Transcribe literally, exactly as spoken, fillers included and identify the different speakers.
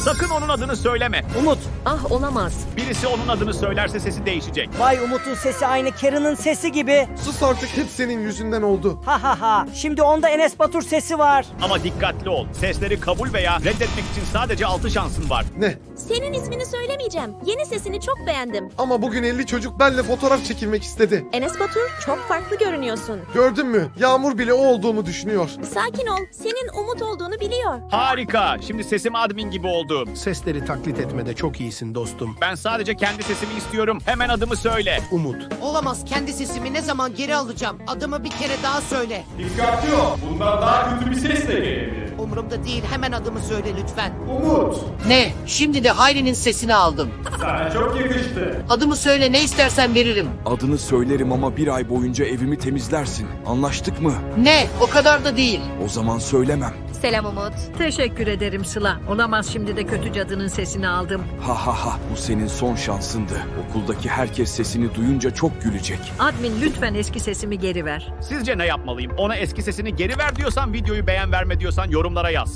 Speaker 1: Sakın onun adını söyleme.
Speaker 2: Umut.
Speaker 3: Ah olamaz.
Speaker 1: Birisi onun adını söylerse sesi değişecek.
Speaker 2: Vay Umut'un sesi aynı Karen'ın sesi gibi.
Speaker 4: Sus artık, hep senin yüzünden oldu.
Speaker 2: Ha ha ha. Şimdi onda Enes Batur sesi var.
Speaker 1: Ama dikkatli ol. Sesleri kabul veya reddetmek için sadece altı şansın var.
Speaker 4: Ne?
Speaker 5: Senin ismini söylemeyeceğim. Yeni sesini çok beğendim.
Speaker 4: Ama bugün elli çocuk benimle fotoğraf çekilmek istedi.
Speaker 5: Enes Batur, çok farklı görünüyorsun.
Speaker 4: Gördün mü? Yağmur bile o olduğumu düşünüyor.
Speaker 5: Sakin ol. Senin Umut olduğunu biliyor.
Speaker 1: Harika. Şimdi sesim admin gibi oldu.
Speaker 6: Sesleri taklit etmede çok iyisin dostum.
Speaker 1: Ben sadece kendi sesimi istiyorum. Hemen adımı söyle.
Speaker 6: Umut.
Speaker 7: Olamaz, kendi sesimi ne zaman geri alacağım? Adımı bir kere daha söyle.
Speaker 8: Dikkatli ol. Bundan daha kötü bir ses de gelebilir.
Speaker 7: Umurumda değil, hemen adımı söyle lütfen.
Speaker 8: Umut.
Speaker 7: Ne? Şimdi de Hayri'nin sesini aldım.
Speaker 8: Sana çok yakıştı.
Speaker 7: Adımı söyle, ne istersen veririm.
Speaker 9: Adını söylerim ama bir ay boyunca evimi temizlersin. Anlaştık mı?
Speaker 7: Ne? O kadar da değil.
Speaker 9: O zaman söylemem.
Speaker 3: Selam Umut.
Speaker 10: Teşekkür ederim Sıla. Olamaz, şimdi de kötü cadının sesini aldım.
Speaker 9: Ha ha ha, bu senin son şansındı. Okuldaki herkes sesini duyunca çok gülecek.
Speaker 10: Admin lütfen eski sesimi geri ver.
Speaker 1: Sizce ne yapmalıyım? Ona eski sesini geri ver diyorsan, videoyu beğen verme diyorsan yorumlara yaz.